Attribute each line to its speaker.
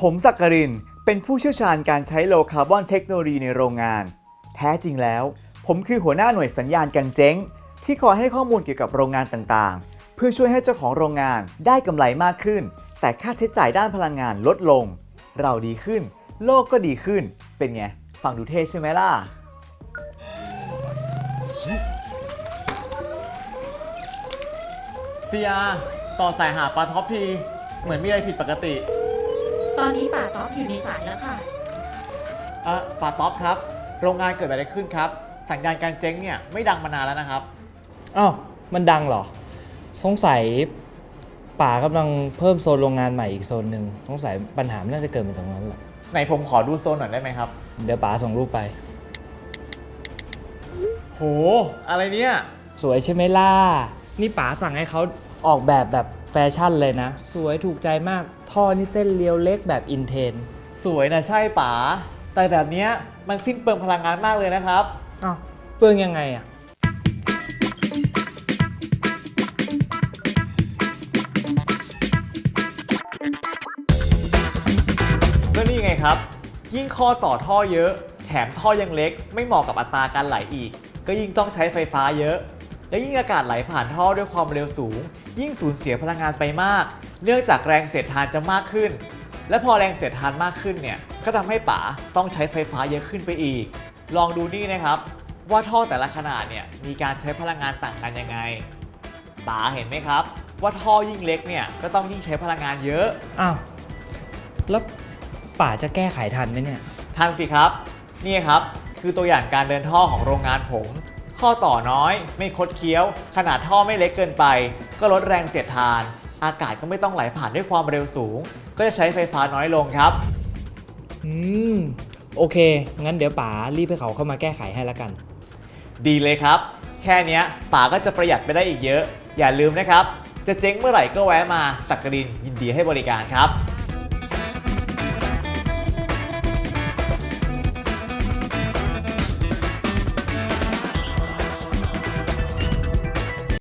Speaker 1: ผมศักรินเป็นผู้เชี่ยวชาญการใช้โลคาร์บอนเทคโนโลยีในโรงงานแท้จริงแล้วผมคือหัวหน้าหน่วยสัญญาณกันเจ๊งที่คอยให้ข้อมูลเกี่ยวกับโรงงานต่างๆเพื่อช่วยให้เจ้าของโรงงานได้กำไรมากขึ้นแต่ค่าใช้จ่ายด้านพลังงานลดลงเราดีขึ้นโลกก็ดีขึ้นเป็นไงฟังดูเท่ใช่ไหมล่ะ
Speaker 2: เซียต่อสายหาปลาท็อปทีเหมือนมีอะไรผิดปกติ
Speaker 3: ตอนนี้ป่าต๊อบอยู่ในสายแล้วค่ะ
Speaker 2: ปลาท็อปครับโรงงานเกิดอะไรขึ้นครับสัญญาณการเจ๊งเนี่ยไม่ดังมานานแล้วนะครับ
Speaker 4: อ้าวมันดังเหรอสงสัยป๋ากำลังเพิ่มโซนโรงงานใหม่อีกโซนหนึ่งสงสัยปัญหามันน่าจะเกิดมาตรงนั้นแหละ
Speaker 2: ไหนผมขอดูโซนหน่อยได้ไหมครับ
Speaker 4: เดี๋ยวป๋าส่งรูปไป
Speaker 2: โหอะไรเนี่ย
Speaker 4: สวยใช่ไหมล่ะนี่ป๋าสั่งให้เขาออกแบบแฟชั่นเลยนะสวยถูกใจมากท่อนี่เส้นเรียวเล็กแบบอินเทน
Speaker 2: สวยนะใช่ป๋าแต่แบบเนี้ยมันสิ้นเปลืองพลังงานมากเลยนะครับ
Speaker 4: อ้าวเปลืองยังไงอ่ะ
Speaker 2: ก็นี่ไงครับยิ่งข้อต่อท่อเยอะแถมท่อยังเล็กไม่เหมาะกับอัตราการไหลอีกก็ยิ่งต้องใช้ไฟฟ้าเยอะและยิ่งอากาศไหลผ่านท่อด้วยความเร็วสูงยิ่งสูญเสียพลังงานไปมากเนื่องจากแรงเสียดทานจะมากขึ้นและพอแรงเสียดทานมากขึ้นเนี่ยก็ทำให้ป๋าต้องใช้ไฟฟ้าเยอะขึ้นไปอีกลองดูนี่นะครับว่าท่อแต่ละขนาดเนี่ยมีการใช้พลังงานต่างกันยังไงป๋าเห็นไหมครับว่าท่อยิ่งเล็กเนี่ยก็ต้องยิ่งใช้พลังงานเยอะ
Speaker 4: อ้าวแล้วป๋าจะแก้ไขทันไหมเนี่ย
Speaker 2: ทันสิครับนี่ครับคือตัวอย่างการเดินท่อของโรงงานผมข้อต่อน้อยไม่คดเคี้ยวขนาดท่อไม่เล็กเกินไปก็ลดแรงเสียดทานอากาศก็ไม่ต้องไหลผ่านด้วยความเร็วสูงก็จะใช้ไฟฟ้าน้อยลงครับ
Speaker 4: โอเคงั้นเดี๋ยวป๋ารีบให้เขาเข้ามาแก้ไขให้แล้วกัน
Speaker 2: ดีเลยครับแค่เนี้ยป๋าก็จะประหยัดไปได้อีกเยอะอย่าลืมนะครับจะเจ๊งเมื่อไหร่ก็แวะมาสักกรินยินดีให้บริการครับ